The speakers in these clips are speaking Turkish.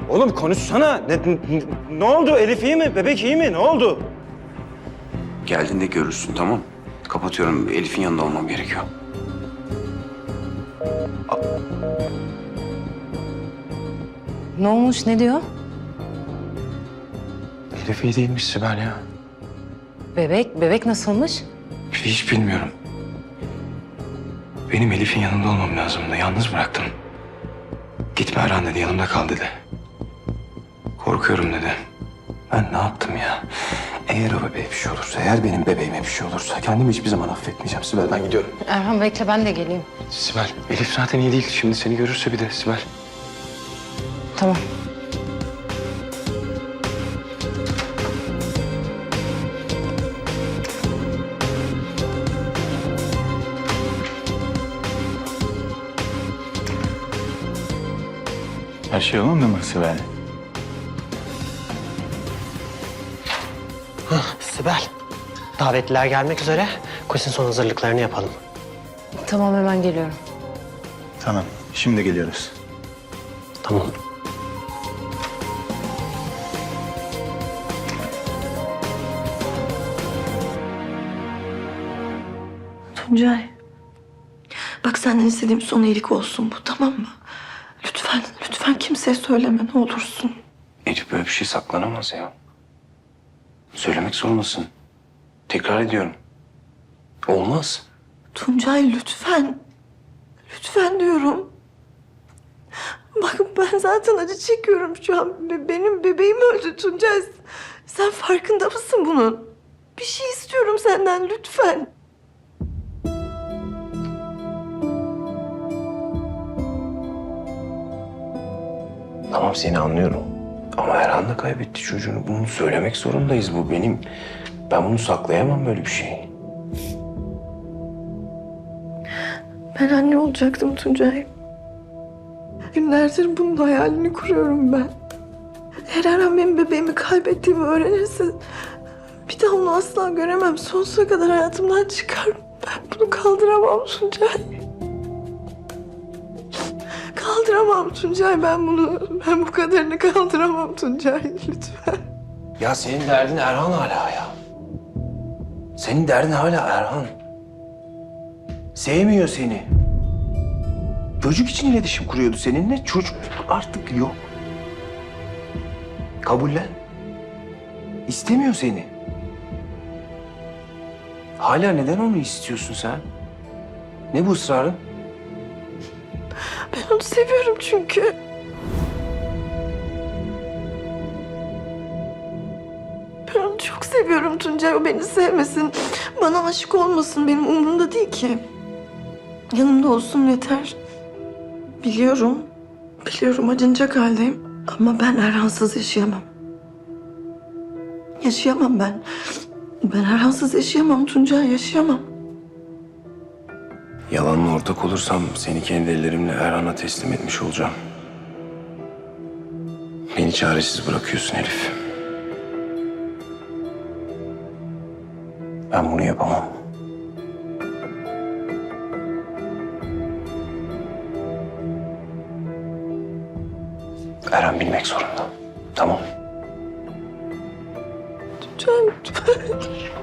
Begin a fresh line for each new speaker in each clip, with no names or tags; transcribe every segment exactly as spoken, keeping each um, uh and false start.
Oğlum konuşsana. Ne, ne, ne oldu? Elif iyi mi? Bebek iyi mi? Ne oldu?
Geldiğinde görürsün, tamam. Kapatıyorum. Elif'in yanında olmam gerekiyor.
Ne olmuş, ne diyor?
Elif iyi değilmiş Sibel ya.
Bebek, bebek nasılmış?
Hiç bilmiyorum. Benim Elif'in yanında olmam lazımdı. Yalnız bıraktım. Gitme Erhan dedi, yanımda kal dedi. Korkuyorum dedi. Ben ne yaptım ya? Eğer o bebeğe bir şey olursa, eğer benim bebeğime bir şey olursa kendimi hiçbir zaman affetmeyeceğim Sibel. Ben gidiyorum.
Erhan bekle, ben de geleyim.
Sibel, Elif zaten iyi değil. Şimdi seni görürse bir de Sibel.
Tamam.
Her şey yolunda mı Sibel?
Sibel, davetliler gelmek üzere. Koşun son hazırlıklarını yapalım.
Tamam, hemen geliyorum.
Tamam, şimdi geliyoruz.
Tamam.
Tuncay. Bak senden istediğim son iyilik olsun bu, tamam mı? Lütfen, lütfen kimseye söyleme ne olursun.
Elif böyle bir şey saklanamaz ya. Söylemek zorundasın. Tekrar ediyorum. Olmaz.
Tuncay lütfen. Lütfen diyorum. Bak ben zaten acı çekiyorum şu an. Be- Benim bebeğim öldü Tuncay. Sen farkında mısın bunun? Bir şey istiyorum senden lütfen.
Tamam, seni anlıyorum. Ama Erhan da kaybetti çocuğunu. Bunu söylemek zorundayız. Bu benim... Ben bunu saklayamam, böyle bir şey.
Ben anne olacaktım Tuncay. Günlerdir bunun hayalini kuruyorum ben. Eğer Erhan benim bebeğimi kaybettiğimi öğrenirse... ...bir daha onu asla göremem. Sonsuza kadar hayatımdan çıkar. Ben bunu kaldıramam Tuncay. Kaldıramam Tuncay ben bunu. Ben bu kadarını kaldıramam Tuncay lütfen.
Ya senin derdin Erhan hala ya. Senin derdin hala Erhan. Sevmiyor seni. Çocuk için iletişim kuruyordu seninle. Çocuk artık yok. Kabullen. İstemiyor seni. Hala neden onu istiyorsun sen? Ne bu ısrarın?
Ben onu seviyorum çünkü. Ben onu çok seviyorum Tuncay. O beni sevmesin. Bana aşık olmasın. Benim umurumda değil ki. Yanımda olsun yeter. Biliyorum. Biliyorum acınacak haldeyim. Ama ben Erhan'sız yaşayamam. Yaşayamam ben. Ben Erhan'sız yaşayamam Tuncay. Yaşayamam.
Yalanla ortak olursam seni kendi ellerimle Erhan'a teslim etmiş olacağım. Beni çaresiz bırakıyorsun Elif. Ben bunu yapamam. Erhan bilmek zorunda. Tamam.
Tuncay lütfen.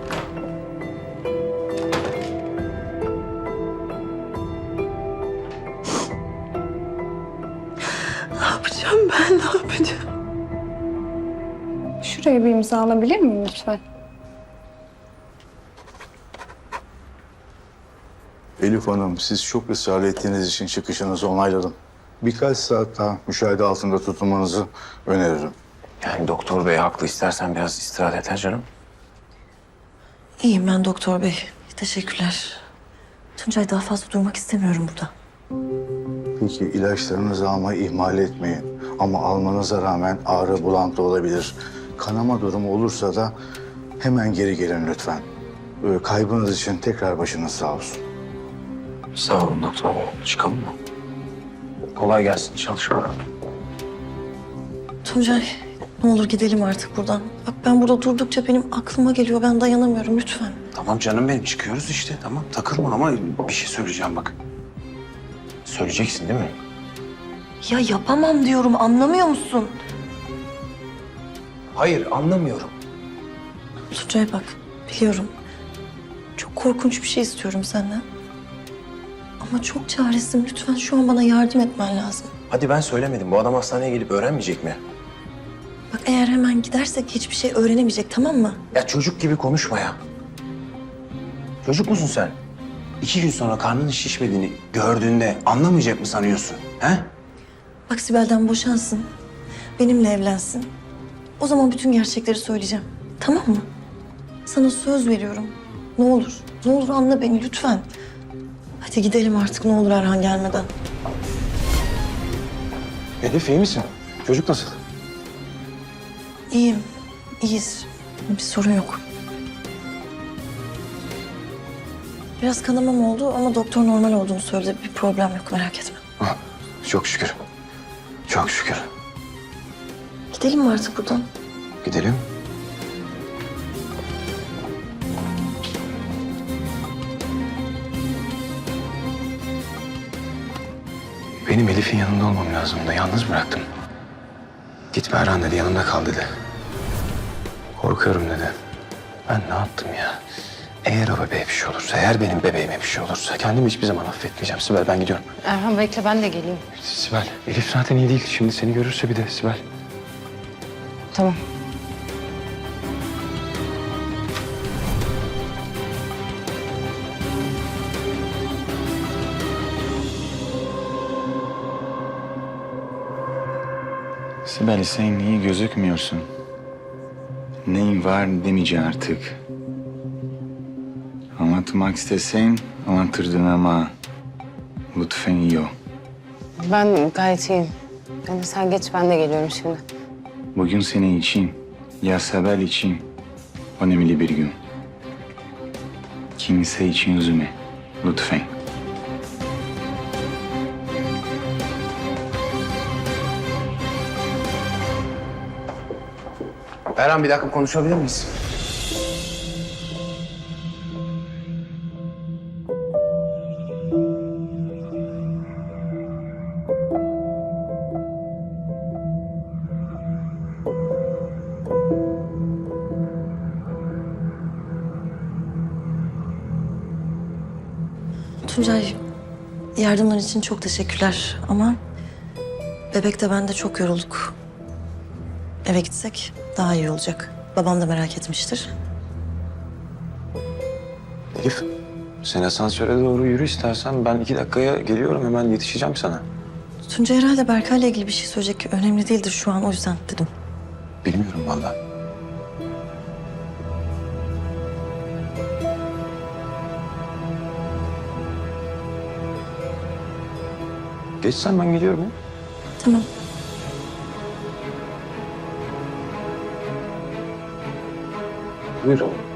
Ne yapacağım ben? Ne yapacağım?
Şuraya bir imza alabilir miyim lütfen?
Elif Hanım, siz çok ısrar ettiğiniz için çıkışınızı onayladım. Birkaç saat daha müşahede altında tutulmanızı öneririm.
Yani doktor bey haklı. İstersen biraz istirahat et ha canım.
İyiyim ben doktor bey. Teşekkürler. Tuncay daha fazla durmak istemiyorum burada.
Peki ilaçlarınızı almayı ihmal etmeyin. Ama almanıza rağmen ağrı, bulantı olabilir. Kanama durumu olursa da hemen geri gelin lütfen. Ee, Kaybınız için tekrar başınız sağ olsun.
Sağ olun doktor bey. Çıkalım mı? Kolay gelsin. Çalışma.
Tuncay ne olur gidelim artık buradan. Bak ben burada durdukça benim aklıma geliyor. Ben dayanamıyorum lütfen.
Tamam canım benim. Çıkıyoruz işte. Tamam. Takılma ama bir şey söyleyeceğim bak. Söyleyeceksin değil mi?
Ya yapamam diyorum anlamıyor musun?
Hayır, anlamıyorum.
Tuncay bak, biliyorum. Çok korkunç bir şey istiyorum senden. Ama çok çaresizim. Lütfen şu an bana yardım etmen lazım.
Hadi ben söylemedim. Bu adam hastaneye gelip öğrenmeyecek mi?
Bak eğer hemen gidersek hiçbir şey öğrenemeyecek, tamam mı?
Ya çocuk gibi konuşma ya. Çocuk musun sen? İki gün sonra karnının şişmediğini gördüğünde anlamayacak mı sanıyorsun? He?
Bak Sibel'den boşansın. Benimle evlensin. O zaman bütün gerçekleri söyleyeceğim. Tamam mı? Sana söz veriyorum. Ne olur, ne olur anla beni lütfen. Hadi gidelim artık ne olur Erhan gelmeden.
Elif iyi misin? Çocuk nasıl?
İyiyim, iyiyiz. Bir sorun yok. Biraz kanamam oldu ama doktor normal olduğunu söyledi. Bir problem yok, merak etme.
Ah, çok şükür. Çok şükür.
Gidelim mi artık buradan?
Gidelim. Benim Elif'in yanında olmam lazımdı. Yalnız bıraktım. Gitme Erhan dedi, yanımda kal dedi. Korkuyorum dedi. Ben ne yaptım ya? Eğer o bebeğe bir şey olursa, eğer benim bebeğime bir şey olursa kendimi hiçbir zaman affetmeyeceğim. Sibel ben gidiyorum.
Erhan bekle ben de geleyim.
Sibel, Elif zaten iyi değil. Şimdi seni görürse bir de Sibel.
Tamam.
Sibel sen iyi gözükmüyorsun. Neyin var demeyeceğim artık. Anlatmak istesen anlatırdın ama lütfen iyi ol.
Ben gayet iyiyim. Yani sen geç ben de geliyorum şimdi.
Bugün senin için, ya Sibel için önemli bir gün. Kimse için üzülme, lütfen.
Erhan bir dakika konuşabilir miyiz?
Tuncay, yardımlar için çok teşekkürler ama bebek de ben de çok yorulduk. Eve gitsek daha iyi olacak. Babam da merak etmiştir.
Elif, sen asansöre doğru yürü istersen. Ben iki dakikaya geliyorum, hemen yetişeceğim sana.
Tuncay herhalde Berkay'la ilgili bir şey söyleyecek. Önemli değildir şu an, o yüzden dedim.
Bilmiyorum vallahi. Geçsen ben geliyorum ya.
Tamam.
Buyur.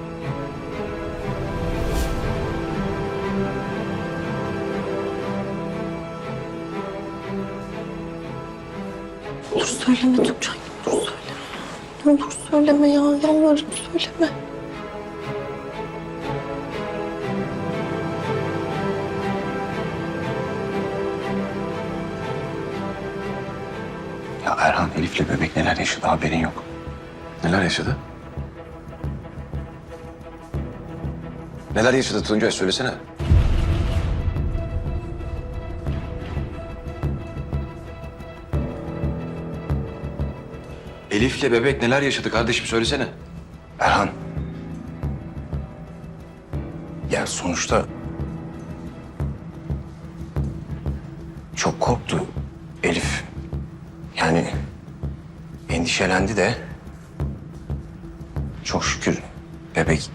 Ne olur söyleme Tuncay, ne olur söyleme. Ne olur söyleme ya, yalvarırım söyleme.
Ya Erhan, Elif'le bebek neler yaşadı haberin yok. Neler yaşadı? Neler yaşadı Tuncay söylesene. Elif'le bebek neler yaşadı kardeşim söylesene. Erhan. Ya sonuçta çok korktu Elif. Yani endişelendi de çok şükür bebek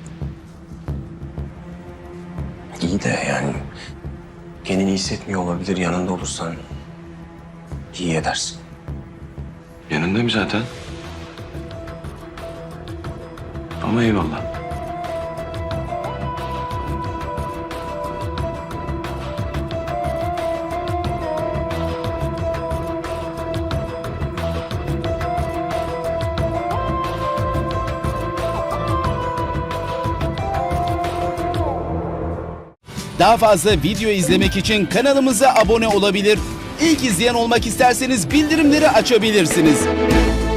iyi de yani kendini hissetmiyor olabilir. Yanında olursan iyi edersin. Yanındayım zaten. Ama eyvallah.
Daha fazla video izlemek için kanalımıza abone olabilir. İlk izleyen olmak isterseniz bildirimleri açabilirsiniz.